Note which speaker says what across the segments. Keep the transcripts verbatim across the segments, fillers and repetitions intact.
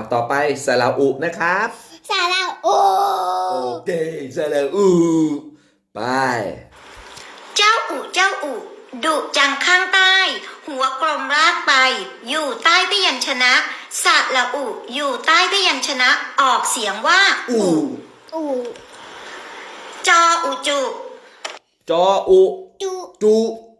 Speaker 1: ต่อไปสระอุนะครับ
Speaker 2: สระอุ
Speaker 1: โอเคสระอุไป
Speaker 3: เจ้าอุเจ้าอุดุจังข้างใต้ หัวกลมรากไป อยู่ใต้พยัญชนะสระอุอยู่ใต้พยัญชนะออกเสียงว่าอุ
Speaker 2: อุ
Speaker 3: จออุจุ
Speaker 1: จออุ
Speaker 2: จุ
Speaker 1: จุ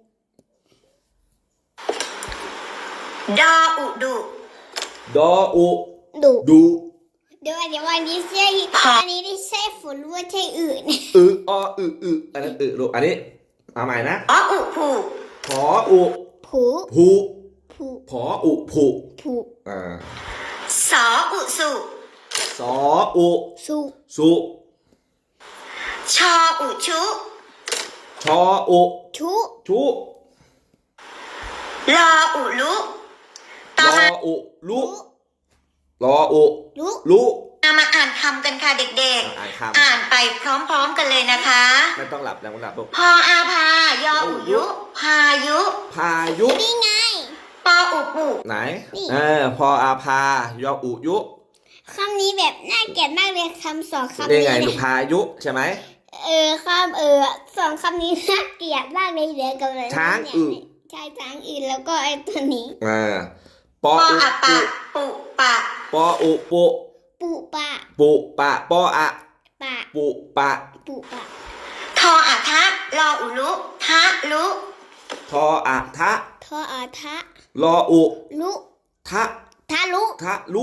Speaker 3: ดออุดุ
Speaker 1: ดออุ
Speaker 2: ดุ
Speaker 1: ดุ
Speaker 2: เดี๋ยวเดี๋ยววันนี้ใช่อันนี้ได้ใช่ฝนหรือว่าใช่อื่น
Speaker 1: อึออึอึอันนั้นอึลูกอันนี้เอาใหม่นะ
Speaker 3: ออุผู
Speaker 1: ผออุ
Speaker 2: ผู
Speaker 1: ผู
Speaker 2: ผู
Speaker 1: ผออุผู
Speaker 2: ผู
Speaker 1: อ่า
Speaker 3: สออุสุ
Speaker 1: สออุ
Speaker 2: สุ
Speaker 1: สุ
Speaker 3: ชออุชุ
Speaker 1: ชออุ
Speaker 2: ชุ
Speaker 1: ชุ
Speaker 3: ลออุลุ
Speaker 1: ลออุลุลออุ
Speaker 2: ลุ
Speaker 1: ลุ
Speaker 3: มาอ่านคำกันค่ะเด็กๆอ่านไปพร้อมๆกันเลยนะคะ
Speaker 1: ไม่ต้องหลับแล้วไม่หลับลูก
Speaker 3: พออาพายออุยุพายุ
Speaker 1: พายุ
Speaker 2: นี่ไง
Speaker 3: ปออุปุ
Speaker 1: ไหนเออพออาพายออุยุ
Speaker 2: คำนี้แบบน่าเกลียดมากเลยคำสองคำ
Speaker 1: นี้ไงลูกพายุใช่ไหม
Speaker 2: เออคำเออสองคำนี้น่าเกลียดมากเลยเดี๋ยวกับอะไร
Speaker 1: ช้างอึ
Speaker 2: ใช่ช้างอึแล้วก็ไอ้ตัวนี้
Speaker 1: อ่าปออุ
Speaker 3: ปุปุปะ
Speaker 1: ปออุปุ
Speaker 2: ปุปะ
Speaker 1: ปุปะปออะ
Speaker 2: ปะ
Speaker 1: ปุปะ
Speaker 2: ปุปะ
Speaker 3: ทออะทะลออุลุทะลุ
Speaker 1: ทออะทะ
Speaker 2: ทออะทะ
Speaker 1: ลออุ
Speaker 2: ลุ
Speaker 1: ทะ
Speaker 2: ทะลุ
Speaker 1: ทะลุ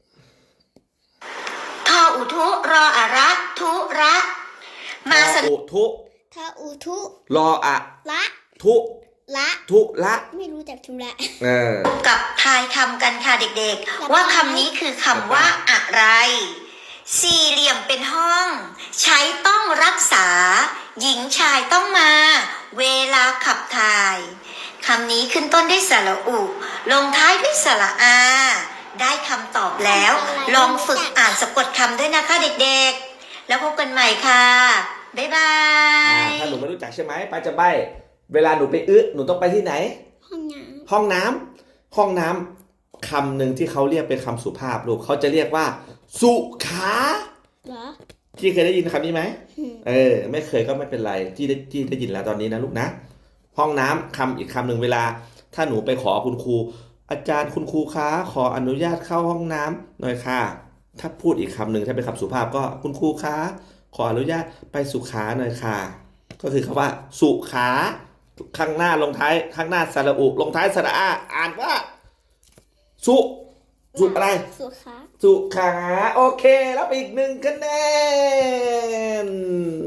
Speaker 3: ทออุทุรออะระทุระมาส
Speaker 1: อุทุ
Speaker 2: ทออุทุ
Speaker 1: รออะ
Speaker 2: ละ
Speaker 1: ทุ
Speaker 2: ละ
Speaker 1: ทุละ
Speaker 2: ไม่รู้จักทุละ
Speaker 1: เออ
Speaker 3: กับทายคำกันค่ะเด็กๆว่าคำนี้คือคำว่าอะไรสี่เหลี่ยมเป็นห้องใช้ต้องรักษาหญิงชายต้องมาเวลาขับถ่ายคำนี้ขึ้นต้นด้วยสระอุลงท้ายด้วยสระอาได้คำตอบแล้วลองฝึกอ่านสะกดคำด้วยนะคะเด็กๆแล้วพบกันใหม่ค่ะบ๊ายบาย
Speaker 1: ถ้าหนูไม่รู้จักใช่ไหมป้าจะใบ้เวลาหนูไปอึหนูต้องไปที่ไหน
Speaker 2: ห้องน้
Speaker 1: ำห้องน้ำห้องน้ำคำหนึ่งที่เขาเรียกเป็นคำสุภาพลูกเขาจะเรียกว่าสุขา
Speaker 2: เหรอ
Speaker 1: ที่เคยได้ยินคำนี้ไหมเออไม่เคยก็ไม่เป็นไรที่ได้ที่ได้ยินแล้วตอนนี้นะลูกนะห้องน้ำคำอีกคำหนึ่งเวลาถ้าหนูไปขอคุณครูอาจารย์คุณครูคะขออนุญาตเข้าห้องน้ำหน่อยค่ะถ้าพูดอีกคำหนึ่งถ้าเป็นคำสุภาพก็คุณครูคะขออนุญาตไปสุขาหน่อยค่ะก็คือคำว่าสุขาข้างหน้าลงท้ายข้างหน้าสระอุลงท้ายสระอาอ่านว่าสุสุอะไร
Speaker 2: สุขา
Speaker 1: สุขาโอเคแล้วอีกหนึ่งคะแนน